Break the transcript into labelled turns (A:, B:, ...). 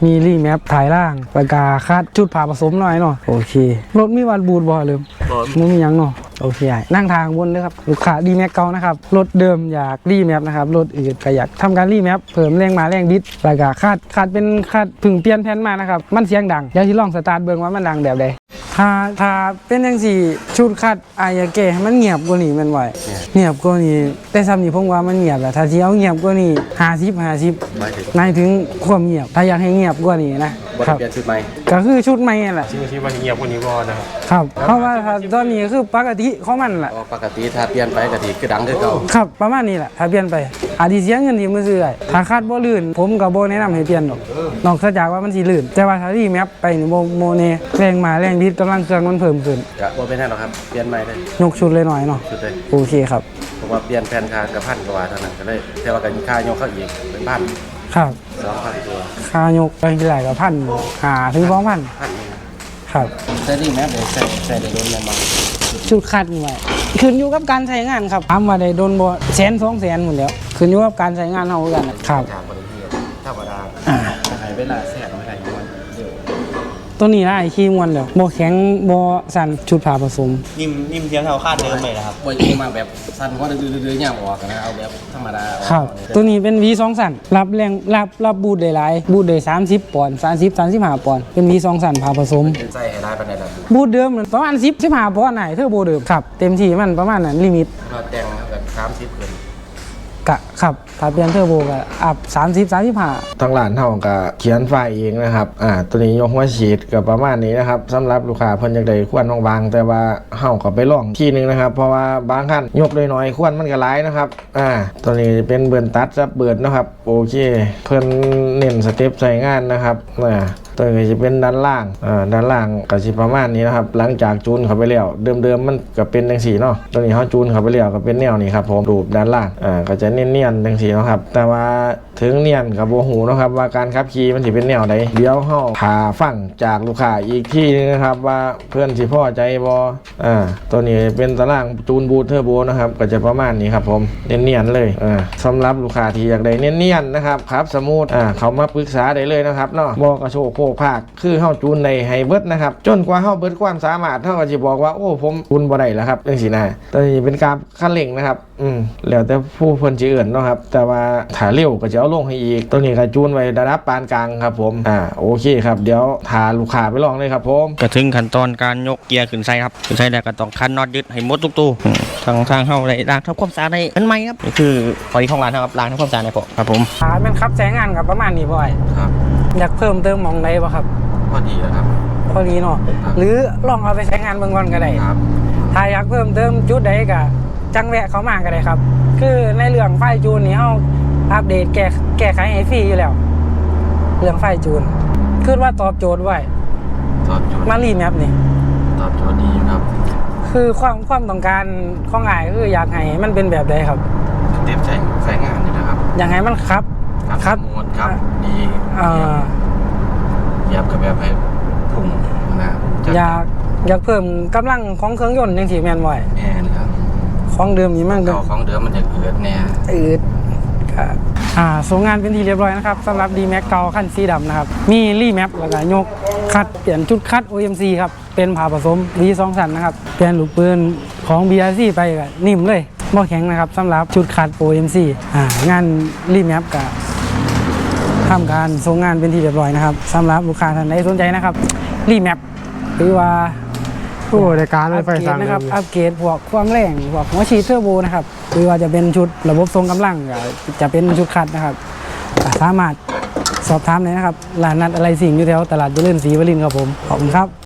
A: มีรีแมปถ่ายล่างประกาคาดชุดผ่าผสมหน่อยเนาะโอเครถมีวัดบูดบ่เลยมึงมียังเนาะโอเคนั่งทางบนเลยครับลูกค้ารีแมปเก่านะครับรถเดิมอยากรีแมปนะครับรถอื่นก็อยากทำการรีแมปเพิ่มแรงมาแรงบิดประกาคาดเป็นคาดพึ่งเปลี่ยนแผ่นมานะครับมันเสียงดังเดี๋ยวที่ลองสตาร์ทเบิ่งว่ามันดังแบบใดถ้าเป็นอย่างสี่ชุดคัดอายาเกะมันเงียบกว่านี้มันไหวเงียบกว่านี้แต่ซ้ำนี่ผมว่ามันเงียบแหละถ้าที่เอาเงียบกว่านี้50หมายถึงความเงียบถ้าอยากให้เงียบกว่านี้นะครับเปลี่ยนชุดใหม่ก็คือชุดใหม่แหละ
B: ชื่อว่าเงียบกว่านี้บ่
A: นะครับเพราะว่าตอนนี้คือปกติของมันแหละ
C: ปกติถ้าเปลี่ยนไปก็ดีคือดังคือเก่า
A: ครับประมาณนี้แหละถ้าเปลี่ยนไปอาจจะเสียเงินที่มือซื้อถ้าคาดบ่ลื่นผมกับโบแนะนำให้เปลี่ยนนอกจากว่ามันสิลื่นแต่ว่าถ้ารีแมปไปนี่โมเนแรงมาแรงบิดกำลังเครื่องมันเพิ่มขึ้น
C: ก็บ่เป็นแน่หรอกครับเปลี่ยนใหม่เลย
A: ยกชุดเลยหน่อยเนาะ
C: ชุดเลย
A: โอเคครับ
C: ผมว่าเปลี่ยนแผ่นคากับ1,000 กว่าเท่านั้นก็เลยแต่ว่าก็ค่ายกเข้าอีกเป็น1,000
A: ครับ
C: 2,000 ตัว
A: ค่ายกไปที่ไหนก็1,000 ถึง 2,000ครับ
C: แต่นี่แมปได้ใส่ได้โดนแม่นบ่
A: ชุดคัดไว้ขึ้นอยู่กับการใช้งานครับทำมาได้โดนบ่100,000-200,000หมดแล้วขึ้นอยู่กับการใช้งานเฮากันครับ
C: ธรรมดาให้เวลาแซ่บไม่ได้มันเร็ว
A: ตัวนี้ได้ขี้มวนแล้วบ่แข็งบ่สั่นชุดผ่าผสม
B: นิ่มเทียงเท่าคาดเดิมเลยนะครับ
C: บ่ยิงมาแบบสั่นก็ดื้อๆย่างออกนะเอาแบบธรรมดา
A: ครับตัวนี้เป็น V2 สั่นรับแรงรับบูทได้หลายบูทได้30 ปอนด์35 ปอนด์เป็น V2 สั่นผ่าผสม
C: ใส่ให้ได้ปานใดล่ะ
A: บูทเดิมประมาณ10-15 ปอนด์ไหนเทอร์โบเดิมครับเต็มที่มันประมาณนั้นลิมิต
C: ก็แต่งแบบ30ขึ้น
A: กะครับถ้าเปลี่ยนเทอร์โบก็อัพ30-35
D: ทางร้านเฮาก็เขียนไฟล์เองนะครับตัวนี้ยกหัวฉีดก็ประมาณนี้นะครับสำหรับลูกค้าเพิ่นอยากได้ควันบางๆแต่ว่าเฮาก็ไปลองทีนึงนะครับเพราะว่าบางคันยกน้อยๆควันมันก็หลายนะครับตัวนี้เป็นเบิร์นตัดซับเบิร์นนะครับโอเคเพิ่นเน้นสเต็ปใส่งานนะครับตัวนี้จะเป็นด้านล่างก็สิประมาณนี้นะครับหลังจากจูนเข้าไปแล้วเดิมมันก็เป็นจังซี่เนาะตัวนี้เฮาจูนเข้าไปแล้วก็เป็นแนวนี้ครับผมรูปด้านล่างก็จะเนียนๆจังซี่เนาะครับแต่ว่าถึงเนียนกับบ่ฮู้นะครับว่าการขับขี่มันสิเป็นแนวใดเดี๋ยวเฮาหาฟังจากลูกค้าอีกทีนึงนะครับว่าเพื่อนสิพอใจบ่ตัวนี้เป็นตารางจูนบูทเทอร์โบนะครับก็จะประมาณนี้ครับผมเนียนๆเลยสำหรับลูกค้าที่อยากได้เนียนๆนะครับครับสมูทเขามาปรึกษาได้เลยนะครับเนาะบ่กระโชกโคกภาคคือเฮาจูนในให้เบิดนะครับจนกว่าเฮาเบิดความสามารถเฮาก็สิบอกว่าโอ้ผมจูนบ่ได้แล้วครับจังซี่นะตัวนี้เป็นการคันเร่งนะครับแล้วแต่ผู้เพิ่นสิเอิ้นเนาะครับแต่ว่าถ้าเร็วก็จะเอาลงให้อีกตัวนี้ก็จูนไว้ระดับปานกลางครับผมโอเคครับเดี๋ยวพาลูกค้าไปลองเลยครับผม
B: ก็ถึงขั้นตอนการยกเกียร์ขึ้นใส่ครับขึ้นใส่แล้วก็ต้องคันน็อตยึดให้หมดทุกตู้ทางเฮาได้ล้างทำความสะอาดได้อันใหม่ครับนี่คือพอดีของร้านครับล้างทำความสะอาดได้พอครับผม
A: แม่นครับใช้งานกับประมาณนี้บ่อย
C: ครับ
A: อยากเพิ่มเติมมองใดบ่ครับ
C: พอดีแล้วครับ
A: พอดีเนาะหรือลองเอาไปใช้งานเบิ่งก่อนก็ได้
C: ครับ
A: ถ้าอยากเพิ่มเติมจุดใดก็จังแวะเข้ามาก็ได้ครับคือในเรื่องไฟจูนนี่เฮาอัปเดตแก้ไขให้ฟรีอยู่แล้วเรื่องไฟจูนคือว่าตอบโจทย์ไว้มารีแมปนี่
C: ตอบโจทย์ดีครับ
A: คือความต้องการของอ้ายคืออยากให้มันเป็นแบบใดครับ
C: สเต็ปใช้งานนี่นะครับ
A: อยากให้มันครับ
C: หมดครับดีเหยียบกับแบบให้พุ่งนะ
A: อยากเพิ่มกำลังของเครื่องยนต์จังซี่แม่นบ่
C: แม่นครับ
A: ของเดิมนี่มัน
C: ของเดิมมันจะอืดแน่
A: ครับส่งงานเป็นที่เรียบร้อยนะครับสำหรับ D-Max เก่าคันสีดำนะครับมีรีแมปแล้วก็ยกคัดเปลี่ยนชุดคัด OMC ครับเป็นผ่าผสม V2 สั่นนะครับเปลี่ยนลูกปืนของ BRC ไปก็นิ่มเลยบ่แข็งนะครับสำหรับชุดคัด OMC งานรีแมปก็ทำการส่งงานเป็นที่เรียบร้อยนะครับสำหรับลูกค้าท่านใดสนใจนะครับรีแมปหรือว่า
D: ในการรถไฟฟ้า
A: นะครับอัปเกรดพวกความแรงพวกหัวฉีดเทอร์โบนะครับหรือว่าจะเป็นชุดระบบทรงกำลังจะเป็นชุดคัดนะครับสามารถสอบถามได้นะครับร้านนัดอะไรสิ่งอยู่แถวตลาดเจริญศรีวรินทร์ครับผมขอบคุณครับ